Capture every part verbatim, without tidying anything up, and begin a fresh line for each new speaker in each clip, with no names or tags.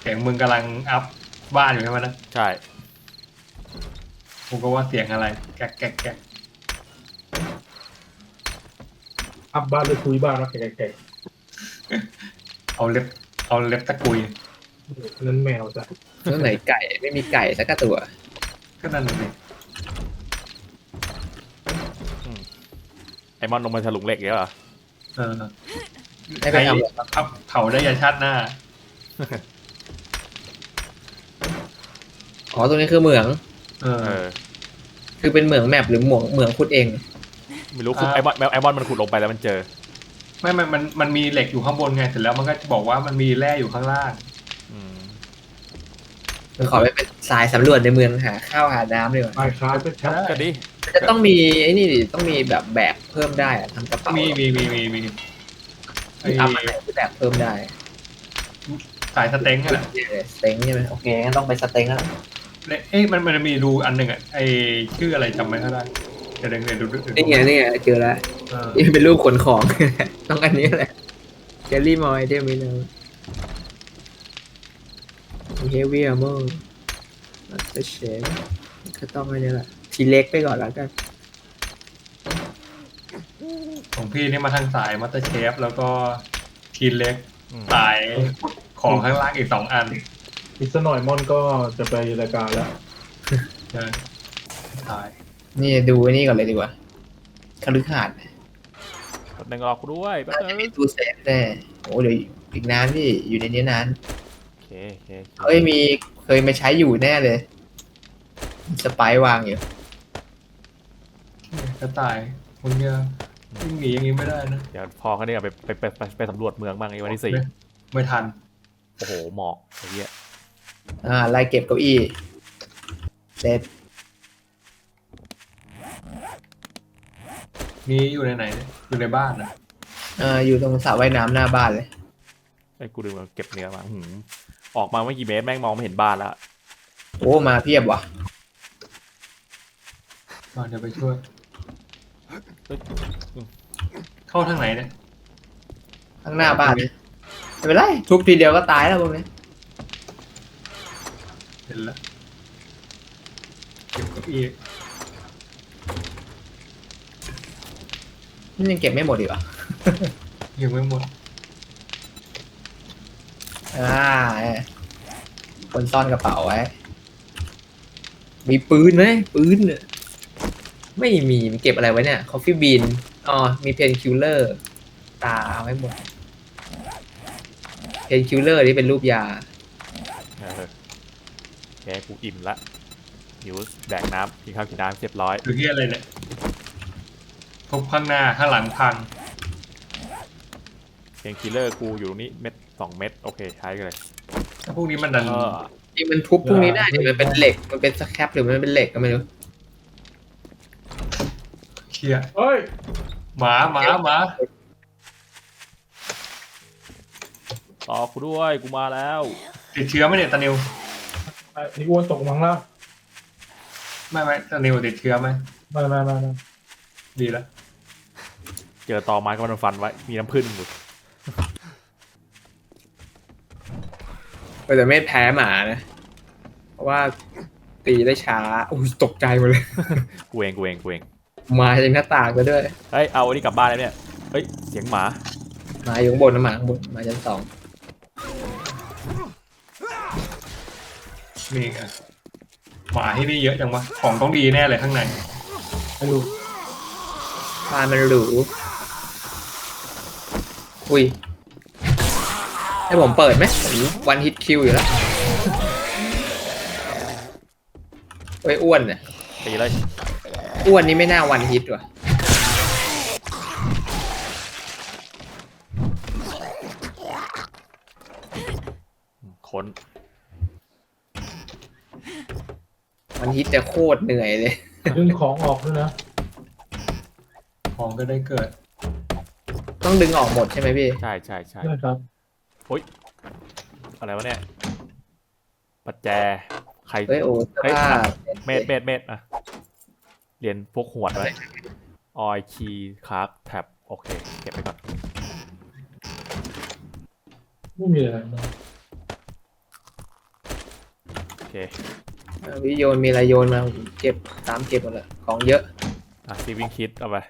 เสียงมึงกำลังอัพบ้านอยู่ใช่ไหมนะ
ใช่
กูก็ว่าเสียงอะไรแก๊กแก๊กแก๊ก
อัพบ้านหรือคุยบ้านนะแก่
เอาเล็บเอาเล็บตะกุย
ๆนั้นแมวจ้ะ
แล้วไหนไก่ไม่มีไก่สักตัว
ก็นั่นเลย
ไอมอนลงมาฉลุงเหล็กเยอะเหรอ
เออ
ไม่ไปทำหรอก
พับเผาได้ยันชาติหน้า
อ๋อตรงนี้คือเหมือง
เออ
เออ
คือเป็นเหมืองแมปหรือเหมืองเหมืองขุดเอง
ไม่รู้คือไอมอนไอมอนมันขุดลงไปแล้วมันเจอ
ไม่มันมันมันมีเหล็กอยู่ข้างบนไงเสร็จแล้วมันก็จะบอกว่ามันมีแร่อยู่ข้างล่าง
อืม
มันขอไปเป็นสายสำรวจในเมืองหาข้าวหาน้ำดีกว่า
ไอ้ค้าก็ชัด
ก็ดี
จะต้องมีไอ้นี่ดิต้องมีแบบแบกเพิ่มได้อะทำกระเป๋า
มีมีมีมีมีไอ้
ที่ทำอะไรที่แบกเพิ่มได้
สายสเต็งอะแหละ
สเต็งใช่ไหมโอเคงั้นต้องไปสเต็งแล้ว
เอ๊ะมันมันมีดูอันหนึ่งอะไอ้ชื่ออะไรจำไม่ได้เดี๋ยวเดี๋ยวเดี๋ยวดูดูดู
นี่ไงนี่ไงเจอแล้ว
เออ
นี่เป็นรูปขนของ ต้องอันนี้แหละเจลลี่มอยเดมิโนเฮฟวี่อาร์เมอร์ลัตเตอร์เชฟก็ต้องอันนี้แหละทีเล็กไปก่อนแล้วกัน
ของพี่นี่มาทางสายมัตเตอร์เชฟแล้วก็ทีเล็ก
อืม
สายของข้างล่างอีกสองอัน
อีกสักหน่อยมอนก็จะไปรายการแล้ว
ใช่สาย
นี่ดูไอ้นี่ก่อนเลยดีกว่าคฤหาสน์
แป๊บนึงรอกูด้วยแป๊บ
น่า
นึ
จะ
ง
มีตู้เซฟแน่โอ้เดี๋ยวอีกนานพี่อยู่ในนี้นาน
โอเคโอเค
เอ้ยมีเคยมาใช้อยู่แน่เลยสไปร์วางอยู่
กระต่ายมึงจะวิ่งหนีอย่างนี้ไม่ได้นะ
เดี๋ยวพอเขาเนี่ยไปไปไปไปไปสำรวจเมืองบ้างไอ้วันที่สี่
ไม่ไม่ทัน
โอ้โหหมอกไอ้เหี้ย
อ่าไล่เก็บเก้าอี้เสร็จ
มีอยู่ในไหนเนี่ยอยู่ในบ้านนะ
อ่าอยู่ตรงสระว่ายน้ำหน้าบ้านเลย
ไอ้กูดึงมาเก็บเนื้อมาหืมออกมาไม่กี่เมตรแม่งมองไม่เห็นบ้านแล้ว
โอ้มาเพียบว่ะ
มาเดี๋ยวไปช่วย
เฮ้ย
เข้าทางไหนเนี่ย
ข้างหน้าบ้านเลยไม่เป็นไรทุบทีเดียวก็ตายแล้วพวกนี้
เห็นแล้วเก็บเก้าอี้
นี่ยังเก็บไม่หมดอีกเหรอ
ยังไม่หมด
อ่าคนซ่อนกระเป๋าไว้มีปืนไหมปืนน่ะไม่มีมีเก็บอะไรไว้เนี่ยคอฟฟี่บีนอ๋อมีเพนคิลเลอร์ตาเอาไว้หมดเพนคิลเลอร์นี่เป็นรูปยา
เออแกกูอิ่มละหิวแดกน้ำกินข้าวกินน้ำเรียบร้อย
หรือที่อะไรเนี่ยทุบข้างหน้าข้างหลังพัง
เพนคิลเลอร์กูอยู่ตรงนี้เม็ดสองเม็ดโอเคใช้กันเลย
ถ้าพวกนี้มันดัน
เออ
นี่มันทุบพวกนี้ได้นี่มันเป็นเหล็กมันเป็นสแครปหรือมันเป็นเหล็กก็ไม่รู้
เคลียร์
เฮ้ย
หมาหมาหมา
ต่อกูด้วยกูมาแล้ว
ติดเชื้อไหมเนี่ยตานิว
ไอ้นี่อ้วนตกมังแล้ว
ไม่ไม่ตานิวติดเชื้อไหม
มามามามา
ดีแล้ว
เจอตอไม้ก็มันฟันไว้มีน้ำผึ้งอยู่
แต่ไม่แพ้หมานะ เพราะว่าตีได้ช้าอุ้ยตกใจหมดเลย
กูเองกูเองกูเอง
มาจากหน้าต่างก็ด้วย
เฮ้ยเอาอันนี้กลับบ้านแล้วเนี่ยเฮ้ยเสียงหมา
มาอยู่ข้างบนนะหมาข้างบนมาชั้นสอง
นี่ไงหมาที่นี่เยอะจังวะของต้องดีแน่เลยข้างใน
ไม่รู้
บ้านมันหรูอุ้ยให้ผมเปิดไหมผมวันฮิตคิวอยู่แล้วเฮ้ยอ้วนเนี่ย
ตีเลย
อ้วนนี่ไม่น่าวันฮิตว่ะ
ค้น
วันฮิตจะโคตรเหนื่อยเลย
ดึงของออกด้วยนะ
ของก็ได้เกิด
ต้องดึงออกหมดใช่ไหมพี่
ใช่ใช่ใช่
ใช่ครับ
อะไรวะเนี่ยปัจแจใคร
เฮ้ยโอ้เสื้อผ้า
เม็ดเม็ดเม็ดอะเรียนพวกหวดไว้ออยคีย์คราฟแท็บโอเคเก็บไปก่อน
ไม่มีอะไรนะ
อ่ะวิโยนมีอะไรโยนมาเก็บตามเก็บหมดเลยของเยอะ
อ่ะซีวิ่งคิดเอาไป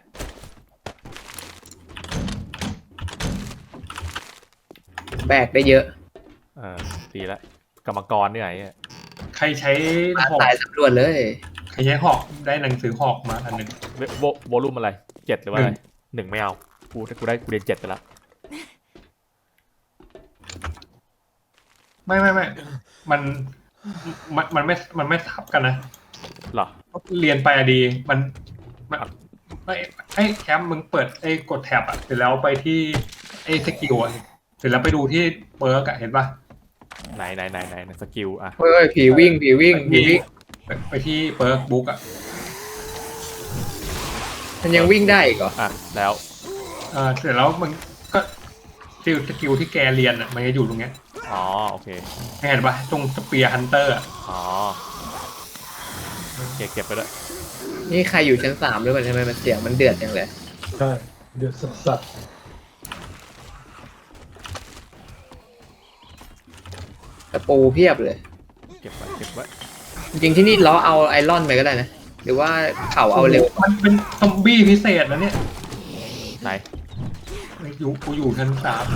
แบกได้เยอะ
เออดีละกรรมกรนี่ไหนเนี่ย
ใครใช้
มา
หอก
สายสำรวจเลย
ใครใช้หอกได้หนังสือหอกมาอันหนึ่ง
เวโวโวลุ่มอะไรเจ็ดหรือว่าอะไรหนึ่งไม่เอากูถ้ากูได้กูเรียนเจ็ดไปแล้ว
ไม่ไม่ไม่มันมันมันไม่มันไม่ทับกันนะ
เหรอ
เรียนไปอะดีมันมันไอ้ไอ้แคมป์มึงเปิดไอ้กดแท็บอะเสร็จแล้วไปที่ไอ้สกิลอะเสร็จแล้วไปดูที่เปิร์กอะเห็นปะ
ไหนไหนไหนไหนไหนสกิลอ่ะ
เฮ้ยผีวิ่งผีวิ่งผีวิ่ง
ไปไปที่เปิร์กบุ๊กอะ
มันยังวิ่งได้อีกเหรอ
อ่ะแล้ว
เออเสร็จแล้วมันก็สกิลสกิลที่แกเรียนอะมันจะอยู่ตรงเนี้ย
อ๋อโอเค
เห็นปะตรงสเปียร์ฮันเตอร์อะ
อ๋อเก็บเก็บไปด้วย
นี่ใครอยู่ชั้นสามหรือเปล่าทำไมมันเสียงมันเดือดจังเลย
ใช่เดือดสัสสัส
ตะปูเพียบเลย
เก็บไว้เก็บไว้
จริงๆที่นี่ล้อเอาไอรอนไปก็ได้นะ หรือว่าเข่าเอาเร็ว
มันเป็นซอมบี้พิเศษนะเนี่ย
ไหน
อยู่กูอยู่ชั้นสาม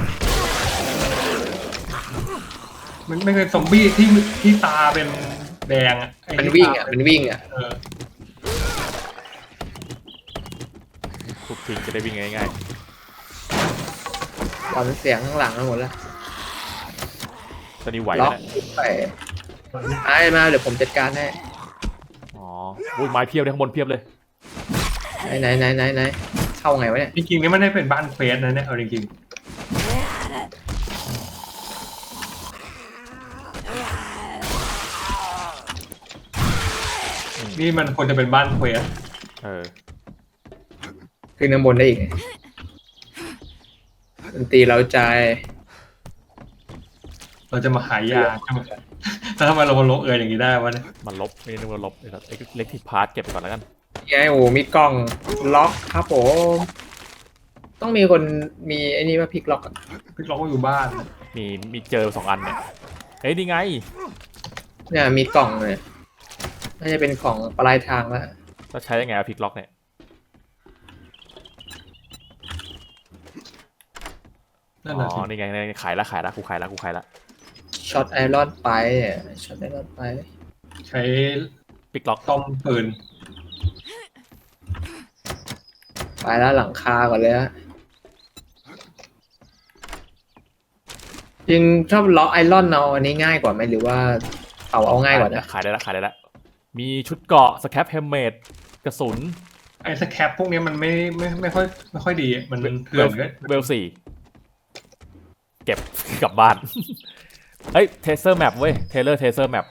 มันไม่เป็นซอมบี้ที่ที่ตาเป็นแดงอะไอ้
มัน
ที่
วิ่ง
ตา
อ่ะมันวิ่งอ่ะ
เออ
ทุบทิ้งจะได้วิ่งง่าย
ตอนเสียงข้างหลังทั้งหมดแล้ว
ๆตอนนี้ไหว
ล็
แล้
อ
ว
ก
เนี่ย
ไปไอ้มาเดี๋ยวผมจัดการให้
อ๋ออุ้ยไม้เพียบเลยข้างบนเพียบเลย
ไหนไหนไหนไหนไหนเข้าไงวะเนี่ย
จริงๆนี่ไม่ได้เป็นบ้านเควสนะเนี่ยเอาจริง
อืม
ๆนี่มันควรจะเป็นบ้านเควส
เออ
ขึ้นข้างบนได้อีกดนตรีเราใจ
เราจะมาหายาใช่ไหมแล้วทำไมเรามาลงเอยอย่างนี้ได้วะเนี่ย
มันลบไม่ได้นึกว่าลบไอ้สัตว์เล็กที่พาร์ทเก็บไปก่อนแล้วกัน
ไงโอ้มีกล้องล็อกครับผมต้องมีคนมีไอ้นี่ว่าพลิกล็อกอะ
พี่เราก็อยู่บ้าน
มีมีเจอสองอันเนี่ยเฮ้ยนี่ไง
เนี่ยมีกล่องเลยน่าจะเป็นของปลายทางแล้ว
เราใช้ยังไงอะพลิกล็อกเนี่ย
นั่น
อ๋
แหละ
อ
สิ
นี่ไงนี่ไงขายละขายละกูขายละกูขายละ
ช็อตไอรอนไปช็อตไอรอนไป
ใช้
พลิกล็อก
ต้มปืน
ไปแล้วหลังคาก่อนเลยฮะจริงชอบล็อกไอรอนเอาอันนี้ง่ายกว่าไหมหรือว่าเอาเอาง่ายกว่านะ
ขายได้ละขายได้ละมีชุดเกราะสแคปเฮมเมดกระสุน
ไอ้สแคปพวกนี้มันไม่ไม่ไม่ค่อยไม่ค่อยดีอะมันเถื่อนเลย
เวลสี่เก็บ กลับบ้าน เฮ้ยเทเซอร์แมปเว้ยเทเลอร์เทเซอร์แมป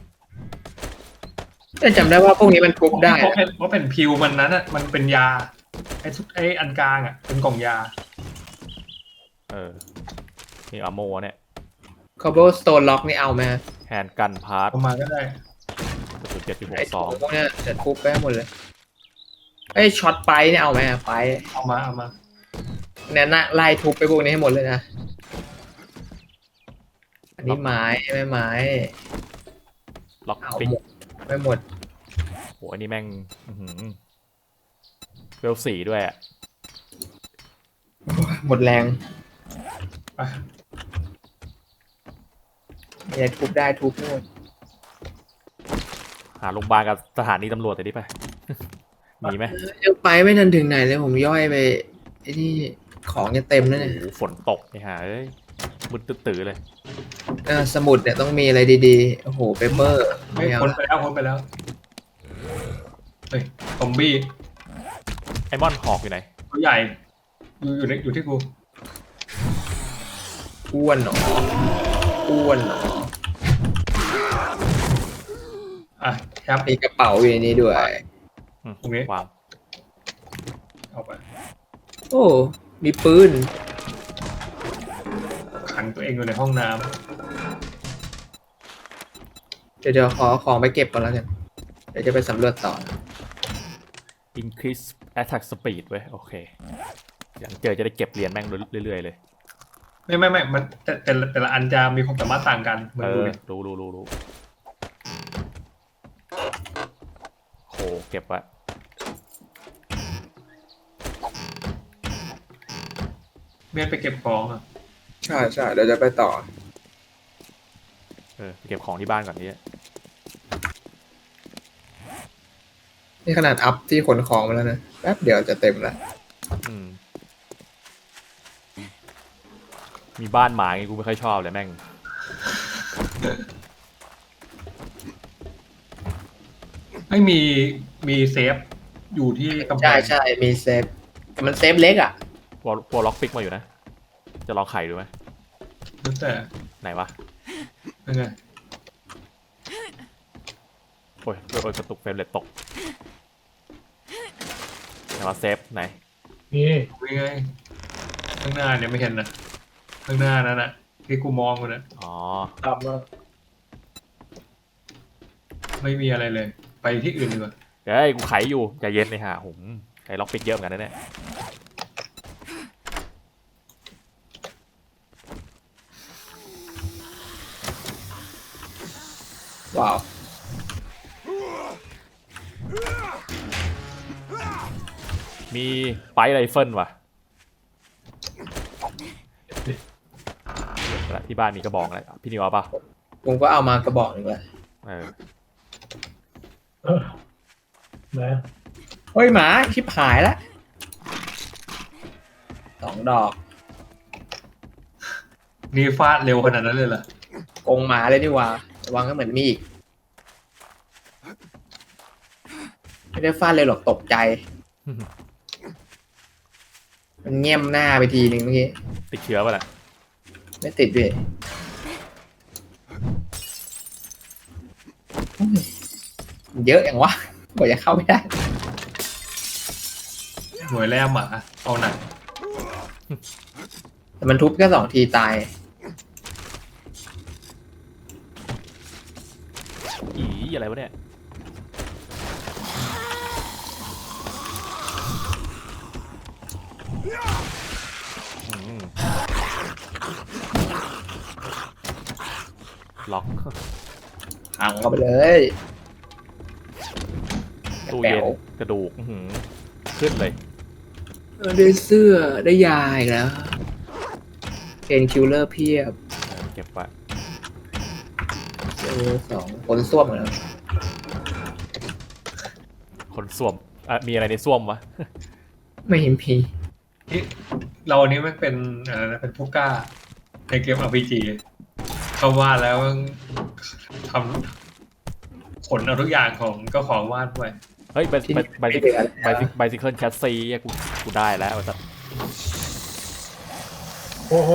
แต่จำได้ว่าพวกนี้มันทุบได้
เพราะเป็นเพราะเป็นพิวมันนั้นอ่ะมันเป็นยาไอ้ทุกไอ้อันกลางอ่ะเป็นกล่องยา
เออนี่อาโมเนี่ย
คอโบสโตนล็อกนี่เอาไหม
แฮนด์กันพาร์ท
เอามาก็ได้
กระสุนเจ็ดจุดห
ไอ้
กส
ข
อ
อง งพวกเนี้ยจะทุบไปให้หมดเลยไอ้ช็อตไปเนี่ยเอาไหมอะไป
เอามาเอามา
เนี่ยนะไล่ทุบไปพวกนี้ให้หมดเลยนะอันนี้ไม้ไม่ไม้
ล็อก
เอา
ปิก
หมดไม่หมด
โหอันนี้แม่งอื้อหือเวลสี่ด้วยอะ
หมดแรง
ไป
เนี่ยทุบได้ทุบให้หมด
หาโรงพยาบาลกับสถานีตำรวจแต่ดิไป มีไหม
ยังไปไม่ทันถึงไหนเลยผมย่อยไปไอ้ที่ของจะเต็มแล้ว
โอ้
เนี่ย
โหฝนตกไอ้ห่าเอ้ยมืดตื้อๆเลย
เออสมุดเนี่ยต้องมีอะไรดีๆโอ้โหเปเปอร์
เฮ้ย
ไม่เอา
พ้นไปแล้วพ้นไปแล้วเฮ้ยซอมบี้
ไอมอนหอกอยู่ไหน
ตัวใหญ่อยู่อยู่ในอยู่ที่กู
อ้วนหนออ้วนหนอ
อ่ะแคป
มีกระเป๋าอยู่ในนี้ด้วย
อืม
ตรงนี้
วาง
เอาไป
โอ้มีปืน
ขังตัวเองอยู่ในห้องน้
เดี๋ยวเดี๋ยวขอของไปเก็บก่อนแล้วกันเดี๋ยวจะไปสำรวจต่อ
increase attack speed เว้ยโอเคอย่างเจอจะได้เก็บเหรียญแม่งเรื่อยๆเลย
ำไม่ไม่ไม่มันแต่แต่ละแต่ละอันจะมีความสามารถต่างกันเหมือ
เอน
ดู
อ
เนี่ย
รู้รู้รู้รู้เก็บไว้
เมียนไปเก็บของอ่ะ
ใช่ใช่เดี๋ยวจะไปต่อ
เออไปเก็บของที่บ้านก่อนนี้
นี่ขนาดอัพที่ขนของมาแล้วนะแป๊บเดียวจะเต็มแล้ว
อืมมีบ้านหมาไงกูไม่ค่อยชอบเลยแม่ง
ไม่มีมีเซฟอยู่ที่กำแพ
ใช่
ง
ใช่มีเซฟแต่มันเซฟเล็กอ่ะ
พวกพวกล็อกปิกมาอยู่นะ จะลองไข่ดูไหม
แล้วแต่
ไหนวะ
ยังไง
โอ้ยโอ้ยกระตุกเฟรมเรทตกไหนวะเซฟไหน
นี่
ยังไงข้างหน้าเนี่ยไม่เห็นนะข้างหน้านั่นน่ะที่กูมองกูนะ
อ๋อ
ตามมา
ไม่มีอะไรเลย ไปที่อื่นดีกว่า
เฮ้ยกูไขอยู่ใจเย็นเลยฮะผมไอ้ล็อกปิกเยอะเหมือนกันนะเนี่ย
ว้าว
มีไปไรเฟิลว่ะแล้วที่บ้านมีกระบอกอะไรพี่นิวเอาป่ะ
ผมก็เอามากระบอกหนึ่งเลย
เออ
เออนะ
เฮ้ยหมาชิบหายแล้วสองดอก
นี่ฟาดเร็วขนาดนั้นเลยเหรอก
งหมาเลยนี่หว่าระวังก็เหมือนมีอีกไม่ได้ฟาดเลยหรอกตกใจ มันเงี่ยมหน้าไปทีนึงเมื่อกี้
ติดเชื้อป่ะน่ะ
ไม่ติดด้วยโอ้ยเยอะอย่างวะกว่าจะเข้าไม่ได้
หน่วยแรกหมาเอาหนัก
แต่มันทุบแค่สองทีตาย
อีอะไรวะเนี่ยอืมล็อก
พังเข้าไปเลย
ตู้
แป๋
เย็น
ว
กระดูกอื้อหือขึ้นเลย
เออได้เสื้อได้ยาอีกแล้วเพนคิลเลอร์เพียบ
เออเก็บไว้
เออสองคนส้วมแล้ว
คนส้วมอ่ะมีอะไรในส้วมวะ
ไม่เห็นพี
ที่เรานี้มันเป็นอะไรนะเป็นผู้กล้าในเกม อาร์ พี จี เขาวาดแล้วทำขนเอาทุกอย่างของก็ของวาดไป
เฮ้ยไบ
ที่
ไบไบ
ไม่
ซิ
เหลือ
ไบซิไบซิเคิลแคสซีกูกูได้แล้วแต่
โอ้โห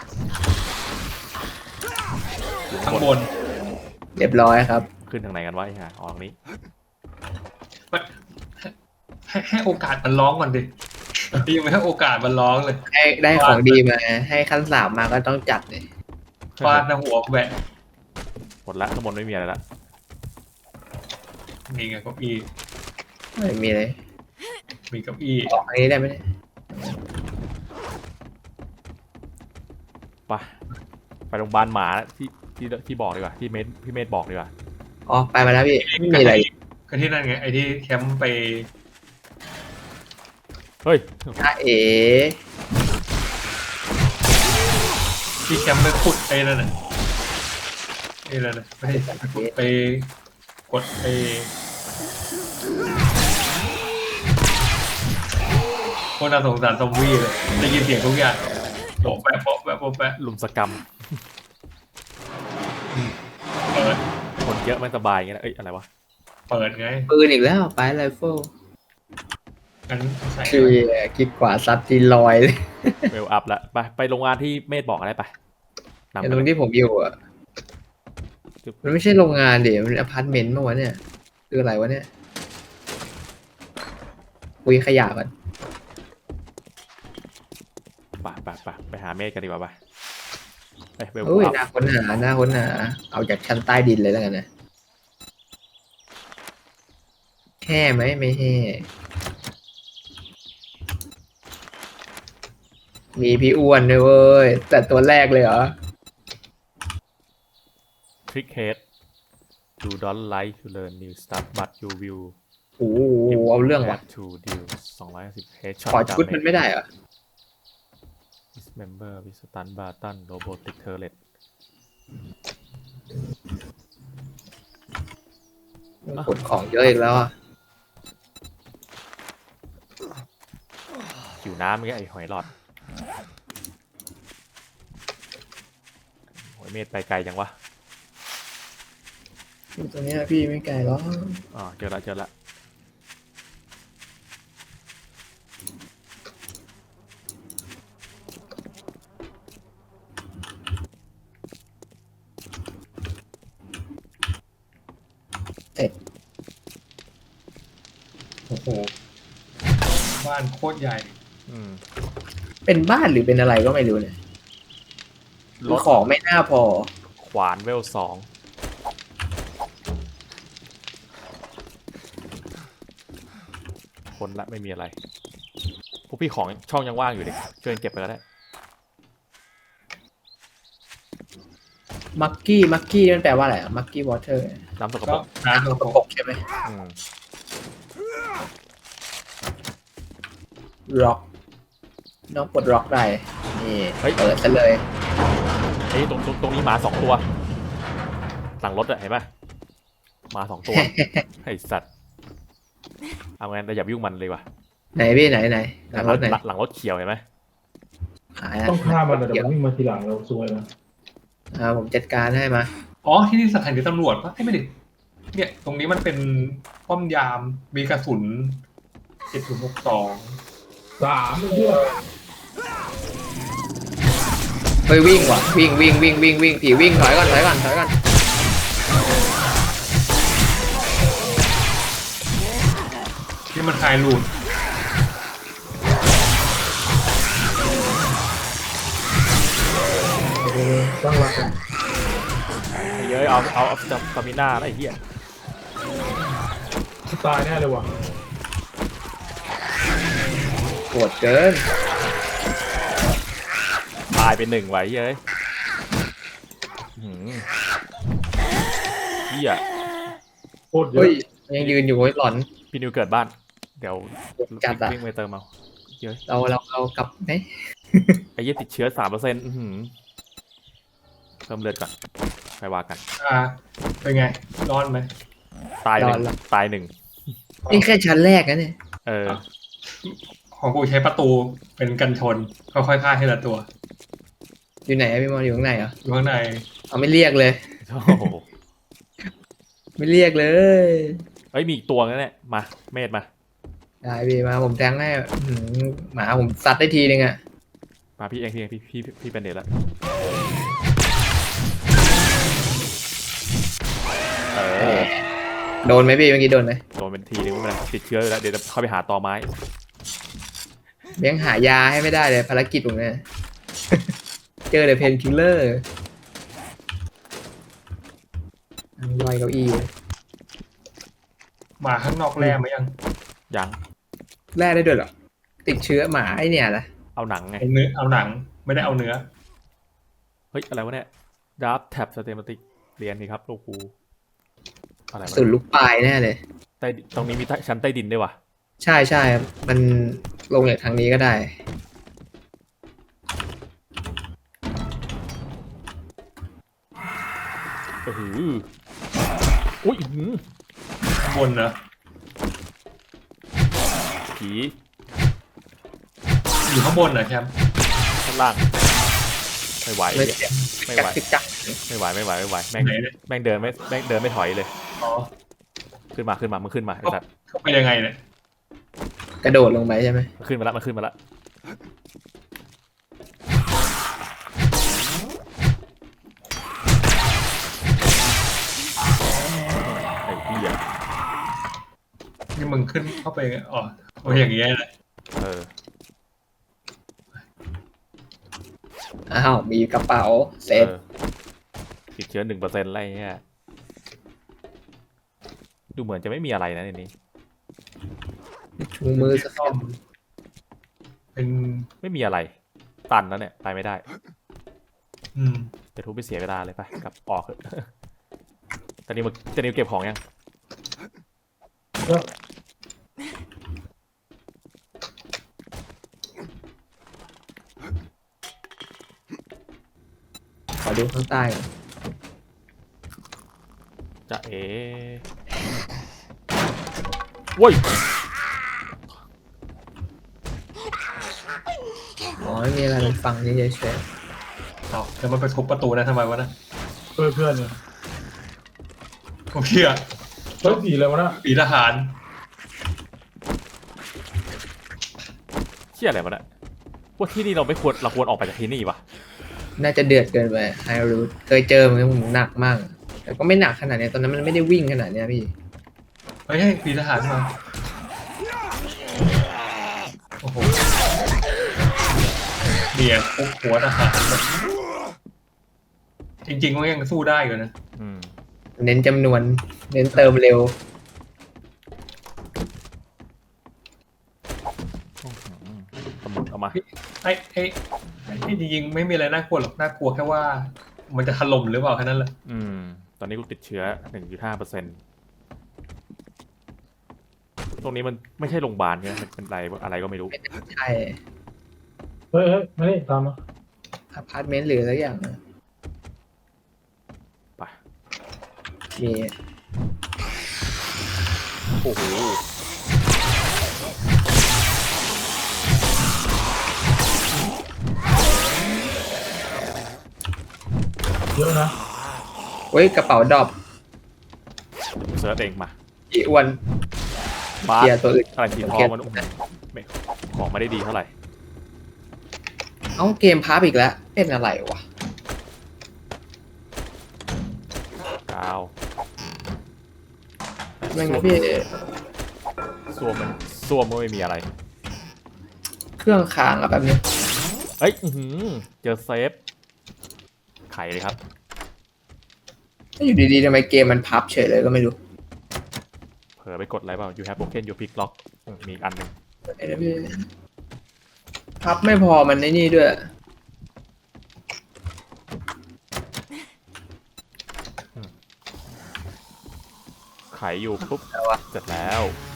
ข้างบน
เรียบร้อยครับ
ขึ้นทางไหนกันวะไอ้ห่าอ๋อตรงนี้
มันให้ให้โอกาสมันร้องก่อนดิยังไม่ให้โอกาสมันร้องเลย
ได้ได้ของดีมา ให้ขั้นสามมาก็ต้องจัดเลย
ฟาดหน้าหัวแหวะ
หมดละข้างบนไม่มีอะไรละ
มีไงเก้าอี้
ไม่มีเลย
มีเก้าอี้
ออกอันนี้ได้ไหมเนี่ย
ไปไปโรงพยาบาลหมาที่ที่ที่บอกดีกว่าที่เมธพี่เมธบอกดีกว่า
อ๋อไปมาแล้วพี่ไม่มีอะไร
ก็ที่นั่นไงไอ้ที่แคมป์ไป
เฮ้ย
ถ้าเอ๋
ที่แคมป์ไปขุดไอ้นั่นน่ะไอ้นั่นน่ะไม่ใช่ไปขุดไปกดไอ้โคตรน่าสงสารซอมบี้เลยได้ยินเสียงทุกอย่างโปะแปะโปะแปะโปะแปะ
ลุมสกรรม
เปิด
คนเยอะไม่สบายอย่างเงี้ยนะเอ้ยอะไรวะ
เปิดไง
ปืนอีกแล้วไปไรเฟิล
อันใส่
คือคิดกว่าซัดทีลอยเลย
เวลอัพละไปไปโรงงานที่เมธบอกอะไรไปนำ
ไอ้
ไป
ตรงที่ผมอยู่อ่ะ มันไม่ใช่โรงงานเดี๋ยวมันอพาร์ตเมนต์เมื่อวะเนี่ยคืออะไรวะเนี่ยคุยขยะกัน
ไปไปไปไปหาเมธกันดีกว่าไปไปเวล
โอ้ย
อัพ
น่าค้นหาน่าค้นหาเอาจากชั้นใต้ดินเลยแล้วกันนะแห่ไหมไม่แห่มีพี่อ้วนด้วยเว้ยแต่ตัวแรกเลยเหรอ
ทริกเฮด you don't like to learn new stuff but you will
โอ้โหเอาเรื่องว่ะ
Add to deal สองร้อยห้าสิบ headshot
ขอชุดมันไม่ได้เหรอ
dismember with stun button robotic turret
กดของเยอะอีกแล้วอ่ะ
หิวน้ำเงี้ยไอ้หอยหลอดโอ้ยเมธไปไกลจังวะ
อยู่ตรงเนี้ยพี่ไม่ไกลหรอก
อ๋อเจอละเจอละ
โอ้โหบ้านโคตรใหญ่
อืม
เป็นบ้านหรือเป็นอะไรก็ไม่รู้เนี่ย
รถ
ของไม่น่าพอ
ขวานเวลสองคนละไม่มีอะไรพวกพี่ของช่องยังว่างอยู่ดิช่วยกันเก็บไปก็ได้
มักกี้มักกี้มันแปลว่าอะไรมักกี้วอเตอร์
น้ำสกป
ก็
รก
น้ำ
ก
ตัว
ระปกใช่ไหม
อืม
ร็อกน้องปลดร็อกได้นี่เปิดซะเลย
ไอ้ยตรงตรงตรงนี้หมาสองตัวหลังรถอะเห็นปะหมาสอง ตัว ไอ้สัตว์เอางั้นแต่อย่าไปยุ่งมันเลยว่ะ
ไหนพี่ไหนไหนหลังรถไหน
หลัหลังรถเขียวเห็นไหม
หาย
ต้องฆ่ามันแต่เดี๋ยวมันวิ่งมาทีหลังเราซวยนะ
อ่าผมจัดการให้มา
อ๋อที่นี่สถานีตำรวจปะให้ไม่ดิเนี่ย ตรงนี้มันเป็นป้อมยามมีกระสุนเจ็ดศูนย์หกสอง
สามเพื่อ
เฮ้ยวิ่งว่ะวิ่งวิ่งวิ่งวิ่งวิ่งผีวิ่งถอยก่อนถอยก่อนถอยก่อน
ที่มันคลายรูด
ตั้งหลักกัน
ไอ้เย้ยเอาเอาเอาสตามิน่าแล้วไอ้เหี้ย
ตายแน่เลยว่ะ
ปวดเกิน
ตายไปหนึ่งไว้เย้ยหืมเหี้ย
โคตรเย
เฮ้
อะ
ยยังยืนอยู่เฮ้ยหลอน
พี่นิวเกิดบ้านเดี๋ยว
จัดอะ
วิ่งไปเติมเอาเย้ย
เราเราเรากลับไหม
ไอ้เหี้ยติดเชื้อสามเปอร์เซ็นต์เพิ่มเลือดก่อนไปว่ากัน
อ่าเป็นไงร้อนไหม
ตายหนึ่งตายหนึ่ง
นี่แค่ชั้นแรกนะเนี่ย
เออ
ของกูใช้ประตูเป็นกันชนค่อยๆฆ่าทีละตัว
อยู่ไหนอะพี่มอนอยู่ข้างในเหรอ
อยู่ข้างใน
เอาไม่เรียกเลย
โอ้โห
ไม่เรียกเลย
เฮ้ยมีอีกตัวนั่นแหละมาเมธมา
ได้พี่มาผมแทงให้อื้อหือหมาผมซัดได้ทีนึงอะ
มาพี่เองพี่เองพี่พี่พี่เป็นเด็ดแล้วเออ
โดนไหมพี่เมื่อกี้โดนไหม
โดนเป็นทีนึงไม่เป็นไรติดเชื้ออยู่แล้วเดี๋ยวจะเข้าไปหาตอไม้
เลี้ยงหายาให้ไม่ได้เลยภารกิจผมเนี่ย เจอแต่เพนคิลเลอร์ย่อยเก้าอี้เลย
หมาข้างนอกแร่ไหมยัง
ยัง
แร่ได้ด้วยเหรอ ติดเชื้อหมาไอเนี่ยนะ
เอาหนังไง
เอาเนื้อเอาหนังไม่ได้เอาเนื้อ
เฮ้ยอะไรวะเนี่ยดับแท็บสเตมติกเรียนนี่ครับลูกครูอะไรวะ
สุดลูกปลายแน่เลย
ใต้ตรงนี้มีใต้ชั้นใต้ดินด้วยวะ
ใช่ใช่มันลงจากทางนี้ก็ได้
โอ้โหอุ้ยอื้อหือ
ข้างบนนะ
ผี
อยู่ข้างบนนะแชมป์
ข้างล่างไม่ไหว
ไม่
เหี้ย ไม่
จั
ไห
ก
ว
จิกจัก
ไม่ไหวไม่ไหวไม่ไหวแม่ง
ไหนเนี่ย
แม่งเดินไม่แม่งเดินไม่ถอยเลย
อ๋อ
ขึ้นมาขึ้นมามึงขึ้นมาไอ้สัตว์
เข้าไปยังไงเนี่ย
กระโดดลงไปใช่ไหม
มันขึ้นมาละมันขึ้นมาละไอ้เหี้ย
นี่มึงขึ้นเข้าไปอ๋อโอ้ยอย่างเงี้ยแหละ
เออ
อ้าวมีกระเป๋าเซฟ
เออติดเชื้อหนึ่งเปอร์เซ็นต์อะไรเงี้ยดูเหมือนจะไม่มีอะไรนะในนี้
ชูมือสัก
ซ่อมเป็น
ไม่มีอะไร ตันแล้วเนี่ยไปไม่ได้
อืม
จะทุบไปเสียเวลาเลยไปกลับออกเถอะ ตอนนี้มึงจะนิวเก็บของยัง
ก็
ขอดูข้างใต้ก่อน
จะเอ๋โว้ย
อ๋อไม่มีอะไรมันฟังนี่เฉย
เอาแล้วมันไปทุบประตูนะทำไมวะนะ
เพื่อนเพื่อนเนี่ย
ผมเชื่อ
เฮ้ยสีอะไรวะน่ะ
ปีทหาร
เชี่ยอะไรวะเนี่ยว่าที่นี่เราไม่ควรเราควรออกไปจากที่นี่ปะ
ๆน่าจะเดือดเกินไปไฮรูทเคยเจอเหมือนกันผมหนักมาก แต่ก็ไม่หนักขนาดเนี้ยตอนนั้นมันไม่ได้วิ่งขนาดเนี้ยพี่
เฮ้ยเฮ้ยปีทหารมาโอ้โหเบียร์คุกหัวทหารแบบจริงๆมันยังสู้ได้อยู่นะ
อืม
เน้นจำนวน เน้นเติมเร็ว
สมุดเอามา
ไอ้ไอ้ไอ้จริงๆไม่มีอะไรน่ากลัวหรอกน่ากลัวแค่ว่า มันจะถล่มหรือเปล่าแค่นั้นแหละ
อืม ตอนนี้กูติดเชื้อ หนึ่งจุดห้าเปอร์เซ็นต์ ตรงนี้มันไม่ใช่โรงพยาบาลใช่ไหมมันเป็นอะไรอะไรก็ไม่รู้
ใช่
เฮ้ยเฮ้ยมานี่ตามมา
อพาร์ตเมนต์หรืออะไรอย่างนะ
ไป
มี
โอ้โห
เยอะนะ
เว้ยกระเป๋าดรอป
เซิร์ชเองมา
อีอ้วน
บา
เกีย
ส
ร์ตัวอื่น
อะไรสีทองมันไม่ของไม่ได้ดีเท่าไหร่
เอ้าเกมพับอีกแล้ว เป็นอะไรวะ
กาว
แม่งพี่
ซ่วมมันซ่วมมันไม่มีอะไร
เครื่องค้างอะแบบนี้
เฮ้ยอื้อหือเจอเซฟ ไขเลยครับ
ถ้าอยู่ดีๆทำไมเกมมันพับเฉยเลยก็ไม่รู้
เผลอไปกดอะไรเปล่า you have broken your pick lock อืมมีอีกอันหนึ่ง
ไอ้นะพี่พับไม่พอมันในนี่ด้วย
ไขอยู่ปุ๊บ
แล้ววะ
เสร็จแล้ว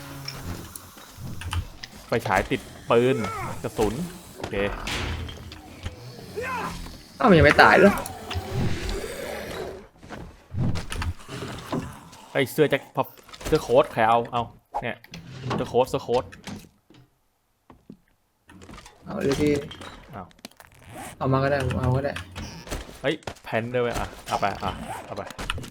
ไฟฉายติดปืนกระสุน โอเค
อ้าวมันยังไม่ตายเหรอ
ไอเสื้อแจ็คพอปเสื้อโค้ทใครเอา เอา เนี่ย เสื้อโค้ทเสื้อโค้ท
เอาเลยพี่
เอา
เอามาก็ได้ผมเอาก็ได้
เฮ้ยแพนด้วยเวยอ่ะ เอาไป อ่ะ เอาไป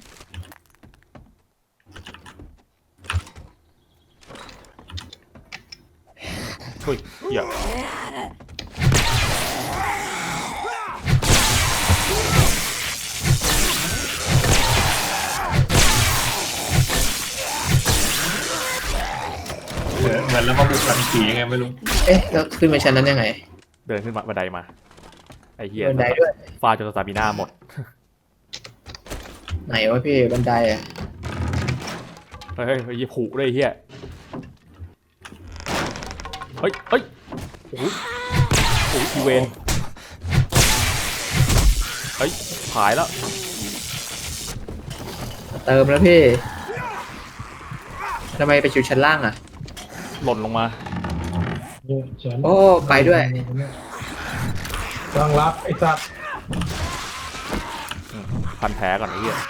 เฮ้ยเหี้ย
เหมือนเหมือนแล้วมาบุกหลังผียังไงไม่รู้
เอ๊ะแล้วขึ้นไปชั้นนั้นยังไง
เดินขึ้นมาบันไดมา ไอเฮีย
บันไดด้วย
ฟาดจนสตามิน่าหมด
ไหนวะพี่บันไดอะ
เฮ้ยเฮ้ยเฮ้ยผูกเลยไอ้เฮียเฮ้ยเฮ้ยโอ้โหโอ้โหอีเวนเฮ้ยหายแล้ว
เติมแล้วพี่ทำไมไปอยู่ชั้นล่างอะ
หล่นลงมา
เนี่ยฉัน
โอ้ไปด้วย
ตั้งรับไอ้สัตว์
อืมพันแผลก่อนไอ้เฮีย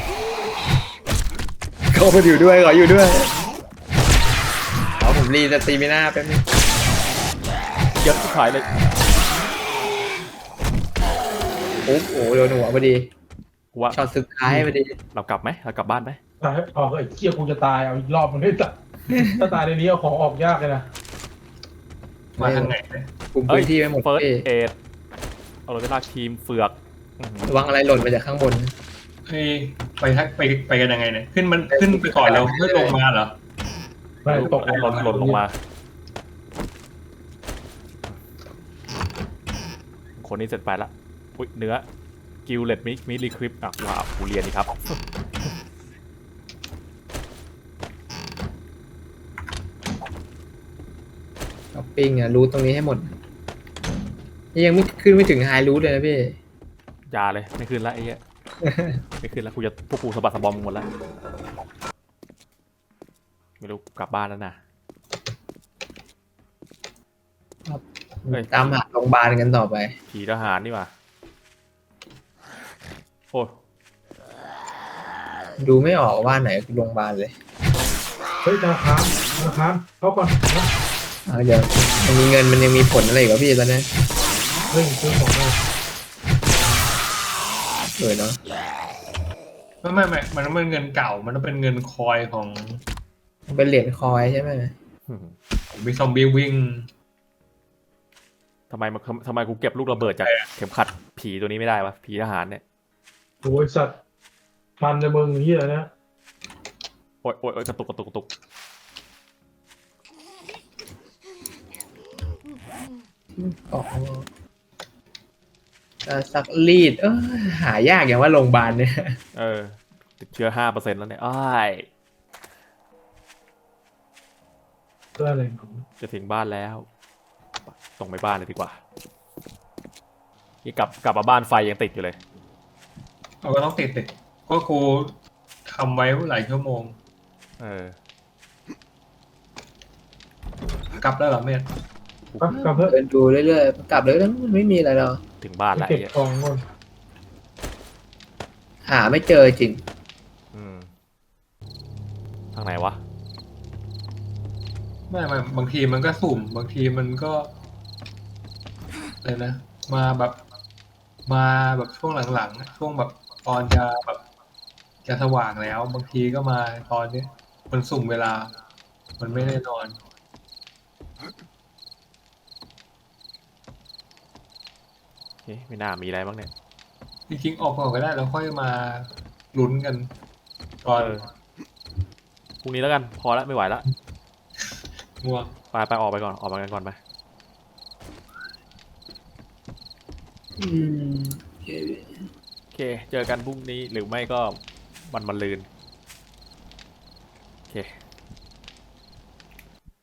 เขาไปอยู่ด้วยขออยู่ด้วยเอาผมรีสตรีมิน่าแป๊บนึง
เยอะที่ขายเลย
โอ้โหโดนหัวพอดี
กูว่า
ช็อตสุดท้ายพอดี
เรากลับไหมเรากลับบ้านไหม
ตายออกไอ้เกี้ยกูจะตายเอาอีกรอบมันไม่ตัดถ้าตายในนี้เอาของออกยากเลยนะ
มาทางไหนเนี่ย
กลุ่มพื้นที่ไม่หมด
เฟิร์ส
พี่
เอดเอาเลยเวลาทีมเฟือกอื้อหือ
ระวังอะไรหล่นมาจากข้างบน
เฮ้ยไปทักไปไปกันยังไงเนี่ยขึ้นมันขึ้นไปก่อนแล้วไม่ลงมาเหรอ
ไม่ตก
หล่นหล่นลงมา คนนี้เสร็จไปละอุ้ยเนื้อกิลเลตมิมิลีคริปอ่ะว้าวกูเรียนดีครับ
ช้อปปิ้งอะรูทตรงนี้ให้หมดนี่ยังไม่ขึ้นไม่ถึงไฮรูทเลยนะพี่
อยาเลยไม่ขึ้นละไอ้เหี้ย ไม่ขึ้นแล้วกูจะพวกกูสะบัดสะบอมหมดแล้วไม่รู้กลับบ้านแล้วนะ เฮ้ย
ตามหาโรงพยาบาลกันต่อไป
ผีทหารนี่หว่าโอ้ย
ดูไม่ออกว่าไหนคือโรงพยาบาลเลย
เฮ้ยธนาคารธนาคารเข้าก่อนนะ
อ่าเดี๋ยวมันมีเงินมันยังมีผลอะไรอีกวะพี่ตอนนี้
เฮ้ยซื้อของเลย
เออเนาะ
ไม่ไม่ไม่มันต้องเป็นเงินเก่า มันต้องเป็นเงินคอยของ
มันเป็นเหรียญคอยใช่ไหม
อืม
มีซอมบี้วิ่ง
ทำไมมันทำไมกูเก็บลูกระเบิดจากเข็มขัดผีตัวนี้ไม่ได้วะผีทหารเนี่ย
โอ้ยสัตว์มันในมึงเฮียนะ
โอ้ยโอ้ยโอ้ยกระตุกกระตุกกระตุก
อ๋อจะซักรีดเออหายากอย่างว่าโรงพยาบาลเนี่ย
เออติดเชื้อห้าเปอร์เซ็นต์แล้วเนี่ยอ้าย
เพื่ออะไรของ
จะถึงบ้านแล้วตรงไปบ้านเลยดีกว่านี่กลับกลับมาบ้านไฟยังติดอยู่เลย
เราก็ต้องติดติดก็กูทำไว้หลายชั่วโมง
เออ
กลับแล้วเหรอเมธ
กลับกลับเพื่อ
เดินดูเรื่อยๆกลับเลยแล้วมันไม่มีอะไรหรอก
ถึงบ้านแล้ว
เก็บ
ไอ้เหี้ย
ของก่อน
หาไม่เจอจริง
อืมทางไหนวะ
ไม่ไม่บางทีมันก็สุ่ม บางทีมันก็อะไรนะ มาแบบมาแบบช่วงหลังๆช่วงแบบตอนจะแบบจะสว่างแล้ว บางทีก็มาตอนนี้มันสุ่มเวลา มันไม่แน่นอน
เอ๊ะไม่น่ามีอะไรบ้างเนี่ย
จริงๆออกก่อนก็ได้แล้วค่อยมาลุ้นกันตอน
เออ พรุ่งนี้แล้วกัน พอแล้วไม่ไหวแล้ว
ง่วง
ไปไปออกไปก่อน ออกมากันก่อนไป
อืม
โอเค เจอกันพรุ่งนี้หรือไม่ก็วันมะรืน โอเค